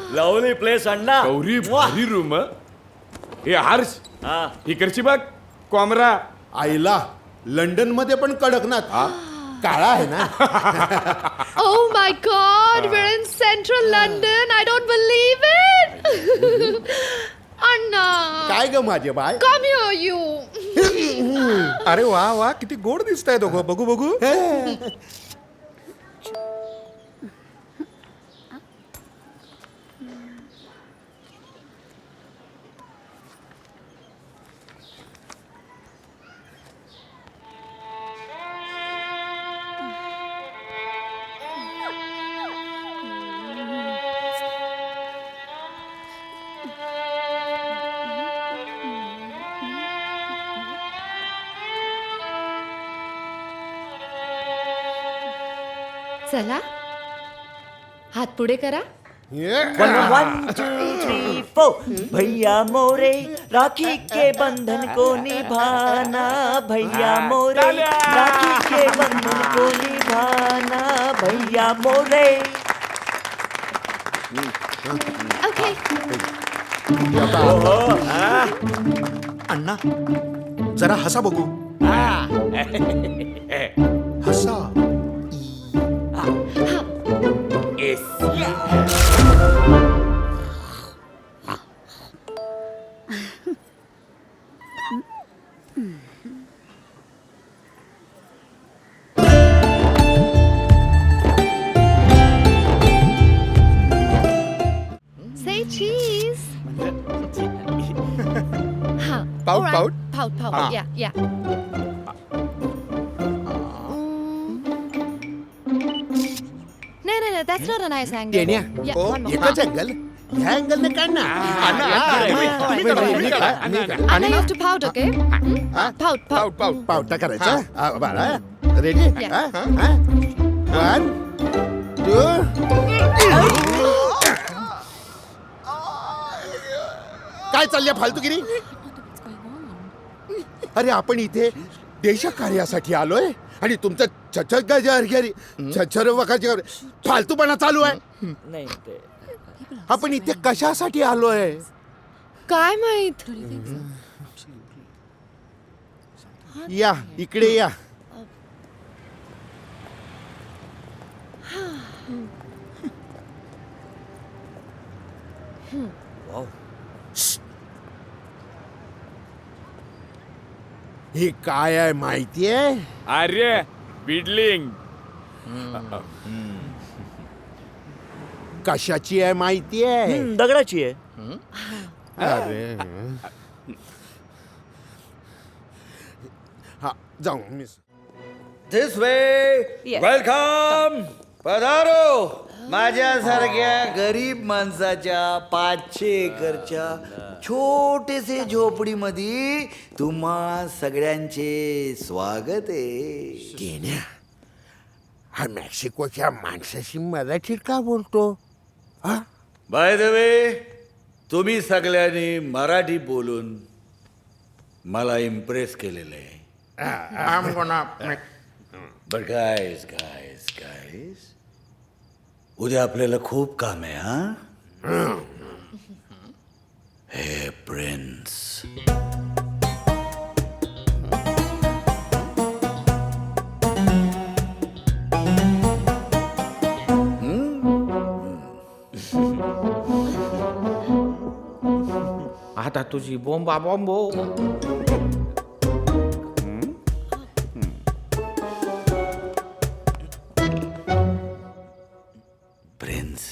Lovely place अण्णा. गौरी भारी room. हे हर्ष, हा. इकडची बघ कॉमरा. आईला लंडन मध्ये पण कडकनाथ काळा आहे ना. Oh my God, we're in central London. I don't believe it. Anna. काय ग माझे बाय. Come here, you. अरे वा वा किती गोड दिसताय दोघं. बघू बघू. चला हात पुढे करा. 1 2 3 4. भैया मोरे राखी के बंधन को निभाना. भैया मोरे राखी के बंधन को निभाना. भैया मोरे. Okay. अण्णा जरा हसा बघू. हसा. Say cheese. Huh. Pout, All right. pout? Pout, pout. Ah. Yeah. No, that's not a nice angle. Tenya Yeah, one more. एकच अँगल ह्या अँगलने काढ ना. Anna, you have to pout, okay? Pout, pout. पावटा करायचा. बाळा रेडी. Yeah. 1 2. काय चाललंय फालतूगिरी. अरे आपण इथे देशकार्यासाठी आलोय आणि तुमचं छछर वखाची फालतूपणा चालू आहे. नाही ते आपण इथे कशासाठी आलोय. काय माहित. या इकडे या. हे काय आहे माहितीये. अरे बिडलिंग. कशाची आहे माहितीये. दगडाची आहे. अरे हा जाऊ miss. This way. Yes. Welcome. पधारो. माझ्यासारख्या गरीब माणसाच्या 500 एकरच्या छोटेसे झोपडीमध्ये तुम्हा सगळ्यांचे स्वागत आहे. केन्या हा मेक्सिकोच्या माणसाशी मराठीत का बोलतो. हा बाय द वे तुम्ही सगळ्यांनी मराठी बोलून मला इम्प्रेस केलेलं आहे. बट गाईज गाईज गाईज उद्या आपल्याला खूप काम आहे. हा हे प्रिन्स. आता तुझी बोंबा बॉम्बो. Prince,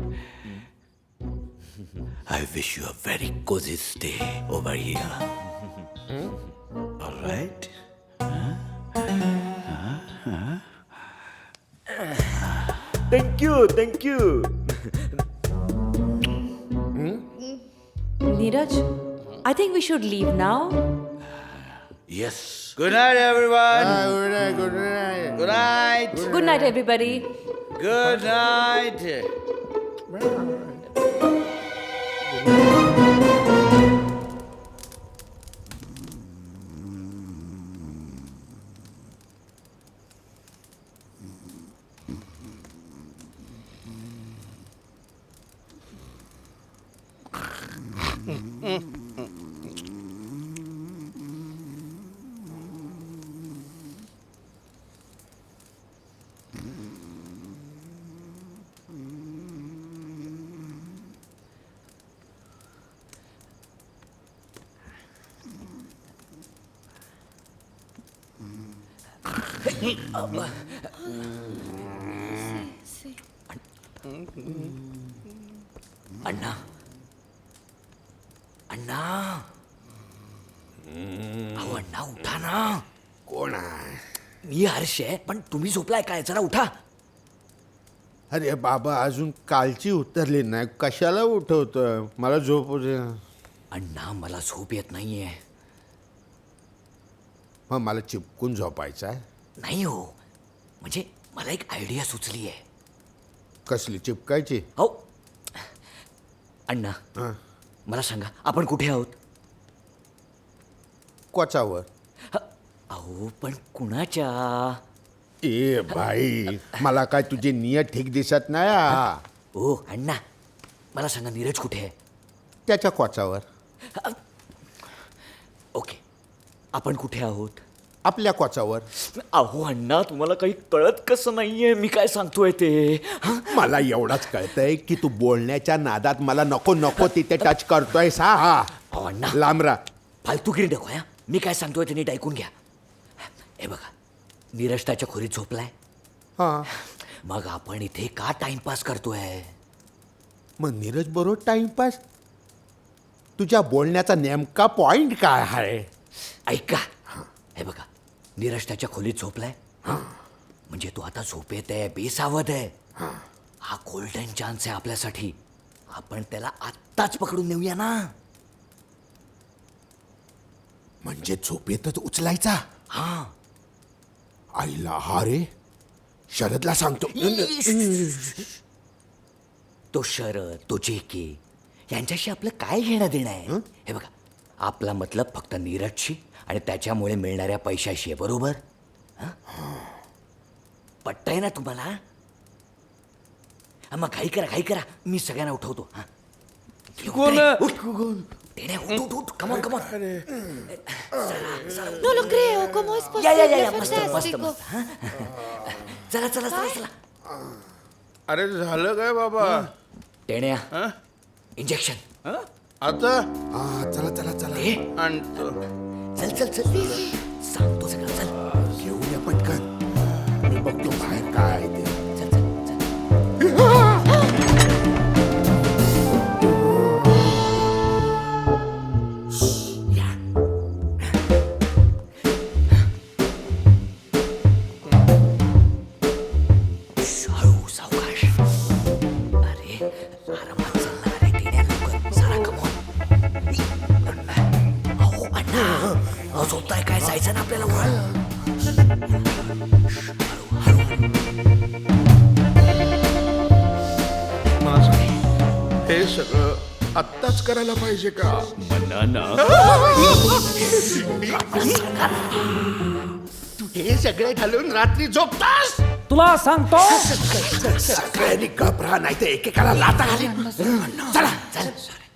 I wish you a very cozy stay over here. All right? Thank you, thank you. Neeraj, I think we should leave now. Yes. Good night, everyone. Good night, good night. Good night. Good night, everybody. Good night. अण्णा अण्णा अहो अण्णा उठा ना. कोण आहे? मी हर्ष आहे पण तुम्ही झोपलाय काय? जरा उठा. अरे बाबा अजून कालची उतरली नाही, कशाला उठवतोय? मला झोप दे. अण्णा मला झोप येत नाहीये. मग मला चिपकून झोपायचं आहे. नाही हो, म्हणजे मला एक आयडिया सुचली आहे. कसली चिपकायची? हो अण्णा हा. मला सांगा आपण कुठे आहोत? कोचावर. अहो पण कुणाच्या? ए भाई, मला काय तुझी नियत ठीक दिसत नाही हा. ओ अण्णा मला सांगा नीरज कुठे आहे? त्याच्या कोचावर. ओके आपण कुठे आहोत? आपल्या कोचावर. अहो अण्णा तुम्हाला काही कळत कसं नाहीये मी काय सांगतोय ते? हं? मला एवढाच कळतंय की तू बोलण्याच्या नादात मला नको नको तिथे टच करतोय सा. अहो अण्णा लांबरा. फालतूगिरी नको या. मी काय सांगतोय ते नीट ऐकून घ्या. हे बघा नीरज त्याच्या खोलीत झोपलाय. हा. मग आपण इथे का टाइमपास करतोय? मग नीरज बरोबर टाइमपास? तुझ्या बोलण्याचा नेमका पॉइंट काय आहे? ऐका हे बघा नीरज त्याच्या खोलीत झोपलाय. म्हणजे तो आता झोपेत आहे, बेसावध आहे. हा गोल्डन चान्स आहे आपल्यासाठी. आपण त्याला आत्ताच पकडून नेऊया ना. म्हणजे झोपेतच उचलायचा? हा आईला हा रे, शरदला सांगतो. तो शरद तो जेके यांच्याशी आपलं काय घेणं देणं आहे? हे बघा आपला मतलब फक्त नीरजशी आणि त्याच्यामुळे मिळणाऱ्या पैशाशी आहे. बरोबर? पटतंय ना तुम्हाला? मग घाई करा मी सगळ्यांना उठवतो. कोण? टेण्या, उठ उठ come on come on. No lo creo, ¿cómo es या posible? मस्त मस्त Fantástico. मस्त. चला चला चला चला. अरे झालं काय बाबा? टेण्या इंजेक्शन. आता चला चला चला. ए आणतो. चल चल चल सांगतो सगळं. चल घेऊन या पटकन. मी बघतो बाहेर काय आहे ते. चल चल चल. या. हळू सावकाश. अरे आरामात चालणार आहे टेण्या. लवकर सारा कमवून. अहो अण्णा अहो झोपताय काय? जायचं ना आपल्याला वर. मला सांग, हे सगळं आत्ताच करायला पाहिजे का? बनाना. तू हे सगळे घालून रात्री झोपतास? तुला सांगतो सगळ्यांनी घबरा, नाही तर एकेकाला लाता घाली. चला चल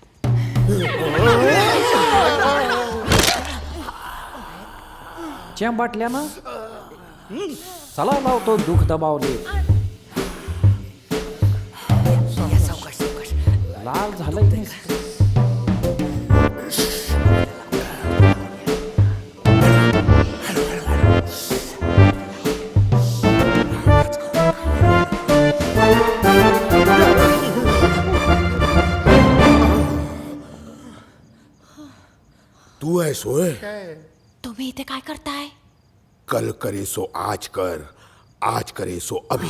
च्या बाटल्यानं चला लावतो दुःख दबावले. या सावकाश सावकाश. लाल झालंय. तू आहे सोय. तुम्ही इथे काय करताय? कल करे सो आज कर, आज करे सो अभी.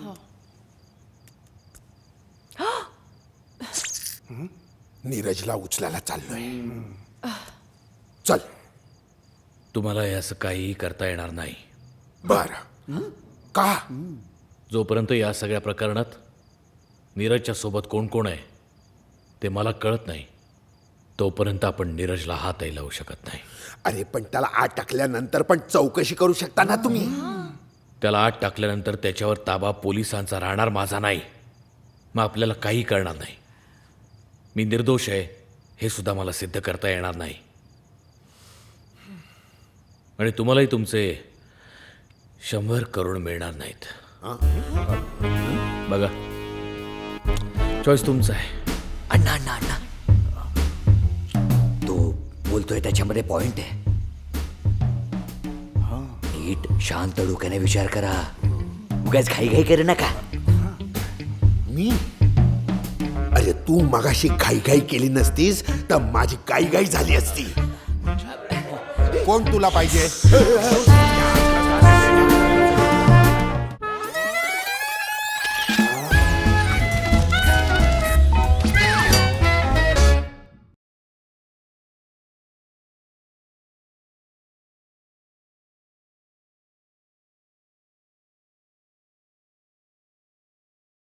नीरजला उचलायला चाललोय. चल. तुम्हाला हे असं काही करता येणार नाही. बर. का? जोपर्यंत या सगळ्या प्रकरणात नीरजच्या सोबत कोण कोण आहे ते मला कळत नाही तोपर्यंत आपण नीरजला हातही लावू शकत नाही. अरे पण त्याला आत टाकल्यानंतर पण चौकशी करू शकता ना तुम्ही. त्याला आत टाकल्यानंतर त्याच्यावर ताबा पोलिसांचा राहणार, माझा नाही. मग आपल्याला काही करणार नाही. मी निर्दोष आहे हे सुद्धा मला सिद्ध करता येणार नाही. आणि तुम्हालाही तुमचे 100 करोड मिळणार नाहीत. बघा, चॉईस तुमचा आहे. अण्णा अण्णा अण्णा, तो बोलतोय त्याच्यामध्ये पॉइंट आहे. नीट शांत डोक्याने विचार करा, उगाच घाई करू नका. मी अरे तू मगाशी घाई केली नसतीस तर माझी गाई झाली असती. कोण तुला पाहिजे?